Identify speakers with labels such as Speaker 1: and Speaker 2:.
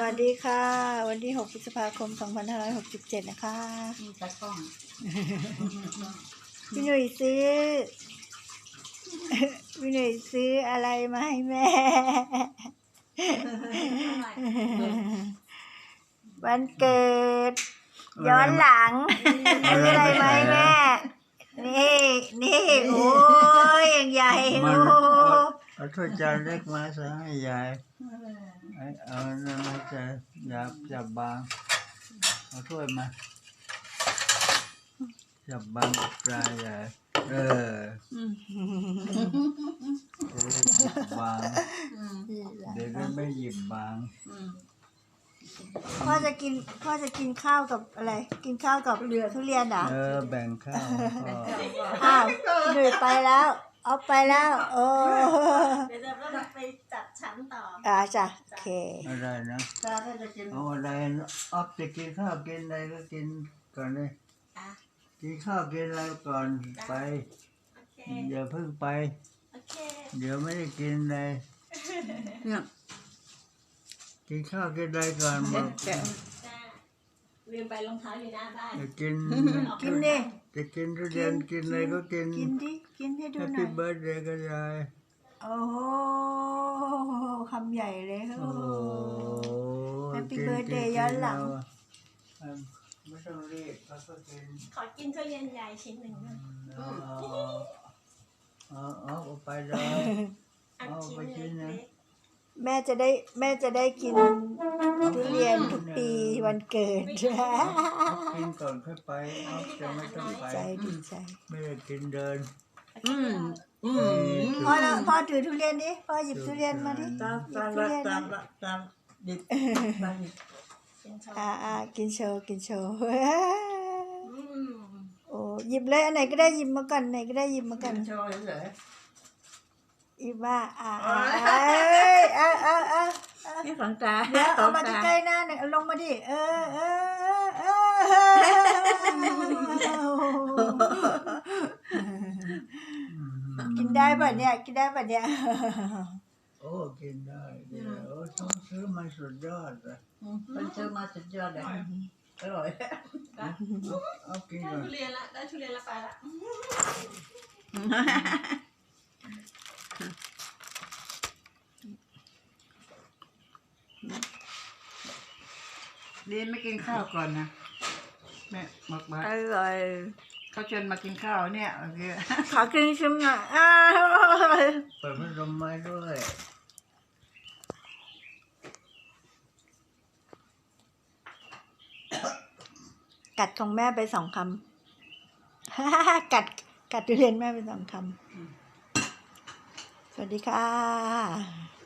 Speaker 1: วัสดีค่ะวันที่6 พฤษภาคม 2567 นะคะ
Speaker 2: ตากล้อง
Speaker 1: พี่หนุ่ยซื้อพี่หนุ่ยซื้ออะไรมาให้แม่วันเกิดย้อนหลังซื้ออะไรมาให้แม่นี่โอ้ยอย่างใหญ่โอ้
Speaker 3: เอาถ้วยจานเล็กมาซะให้ยายเอานั่นมาจะจับบางเอาถ้วยมาจับบางปลายใหญ่จะได้หยิบบางเดี๋ยวก็ไม่หยิบบาง
Speaker 1: พ่อจะกินข้าวกับอะไรกินข้าวกับทุเรียนเหรอ
Speaker 3: แบ่งข้าว
Speaker 1: อ้าวหนุ่ยไปแล้วเอาไปแล้วโอ้
Speaker 2: เดี๋ยวจะไปจัดชั้นต่อ
Speaker 1: จ้ะโอเค
Speaker 3: อะไรนะเอาอะไรออฟจะกินข้าวกินอะไรก็กินก่อนเลยกินข้าวกินอะไรก่อนไปอย่าเพิ่งไปเดี๋ยวไม่ได้กินเลยกินข้าวกินอะไรก่อนบอก
Speaker 2: ลืมไปรองเท้าอยู่หน้าบ้าน
Speaker 3: จะกิน
Speaker 1: ดิ
Speaker 3: จะกินทุเรียนกินอะไรก็กิน
Speaker 1: กินให้ดูหน่อย
Speaker 3: Happy birthday ก็ยาย
Speaker 1: โอ้โหคำใหญ่เลยโอ้ Happy birthday ย้อนหลัง
Speaker 3: ไม่ต้องรีบเขาก็กิน
Speaker 2: ขอกินทุเรียนใหญ่ชิ้นหนึ่ง
Speaker 3: เอาไปเลยเอาไปกินนะ
Speaker 1: แม่จะได้กินทุเรียนทุกปีวันเกิด
Speaker 3: กินก่อนค่อยไปจะไม่ต้องไป
Speaker 1: ดีใจ
Speaker 3: ไม่ได้กินเดิน
Speaker 1: พ่อถือทุเรียนดิพ่อหยิบทุเรียนมาดิ
Speaker 3: ตามหยิบ
Speaker 1: กินโชว์โอ้หยิบเลยอันไหนก็ได้หยิบมาก่อนไหนก็ได้หยิบมาก่อน
Speaker 3: โชว์เฉย
Speaker 1: อีบ้า
Speaker 2: นี่ของตา
Speaker 1: เดี๋ยวเอามาใกล้ๆหน้าหน่อยลงมาดิกินได้ป่ะเนี่ย
Speaker 3: โอ้กินได้โอ้ต้องซื้อมาสุดยอดเลย
Speaker 2: มันซื้อมาสุดยอดเลยอร่อย
Speaker 3: เอากินก่อน
Speaker 2: ได้ทุเรียนละไปละ
Speaker 4: เรียนไม่กินข้าวก่อนนะแม่บอกว่า
Speaker 1: อร่อย
Speaker 4: เขาเชิญมากินข้าวเนี่ยโอเค
Speaker 1: ขอกินชิมหน่อย
Speaker 3: เปิดพัดลมไม้ด้วย
Speaker 1: กัดของแม่ไป2 คำกัดทุเรียนแม่ไป2 คำสวัสดีค่ะ